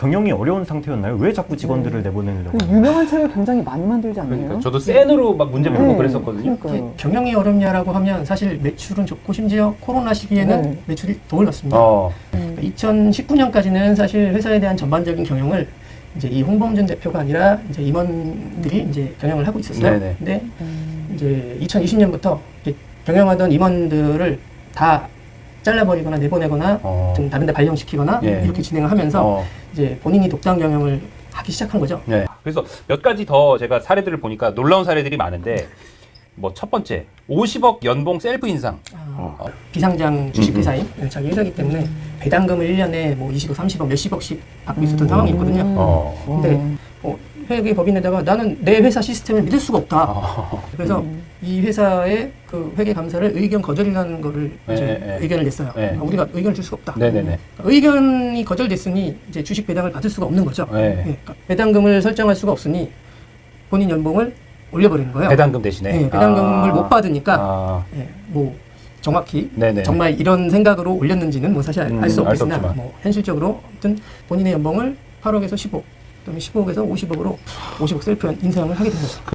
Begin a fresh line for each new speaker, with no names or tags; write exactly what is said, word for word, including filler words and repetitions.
경영이 어려운 상태였나요? 왜 자꾸 직원들을
네.
내보내려고?
그 유명한 책을 굉장히 많이 만들지 않나요?
그러니까 저도 센으로 막 문제 풀고
네.
그랬었거든요.
그러니까요.
경영이 어렵냐라고 하면 사실 매출은 좋고 심지어 코로나 시기에는
네.
매출이 더 올랐습니다.
어.
음.
이천십구 년까지는 사실 회사에 대한 전반적인 경영을 이제 이 홍범준 대표가 아니라 이제 임원들이 이제 경영을 하고 있었어요.
네네.
근데
음.
이제 이천이십 년부터 이제 경영하던 임원들을 다 잘라버리거나 내보내거나
어.
좀 다른 데 발령시키거나
예.
이렇게 진행을 하면서
어.
이제 본인이 독단 경영을 하기 시작한 거죠.
네. 그래서 몇 가지 더 제가 사례들을 보니까 놀라운 사례들이 많은데 뭐 첫 번째 오십억 연봉 셀프 인상.
어, 비상장 주식회사인 자기 회사이기 때문에 배당금을 일 년에 뭐 이십억, 삼십억, 몇십억씩 받고 있었던 상황이 있거든요.
어.
근데 어, 회계 법인에다가 나는 내 회사 시스템을 믿을 수가 없다.
어.
그래서
음.
이 회사의 그 회계 감사를 의견 거절이라는 거를
네,
이제
네.
의견을 냈어요.
네.
아, 우리가 의견을 줄 수가 없다.
네네네.
의견이 거절됐으니 이제 주식 배당을 받을 수가 없는 거죠.
네.
예, 그러니까 배당금을 설정할 수가 없으니 본인 연봉을 올려버리는 거예요.
배당금 대신에.
네, 배당금을
아.
못 받으니까
아.
예, 뭐 정확히
네네.
정말 이런 생각으로 올렸는지는 뭐 사실
음,
알 수
알수
없겠으나
없지만.
뭐 현실적으로 아무튼 본인의 연봉을 팔억에서 십억, 그다음에 십억에서 오십억으로 오십억 셀프 인상을 하게 된 거죠.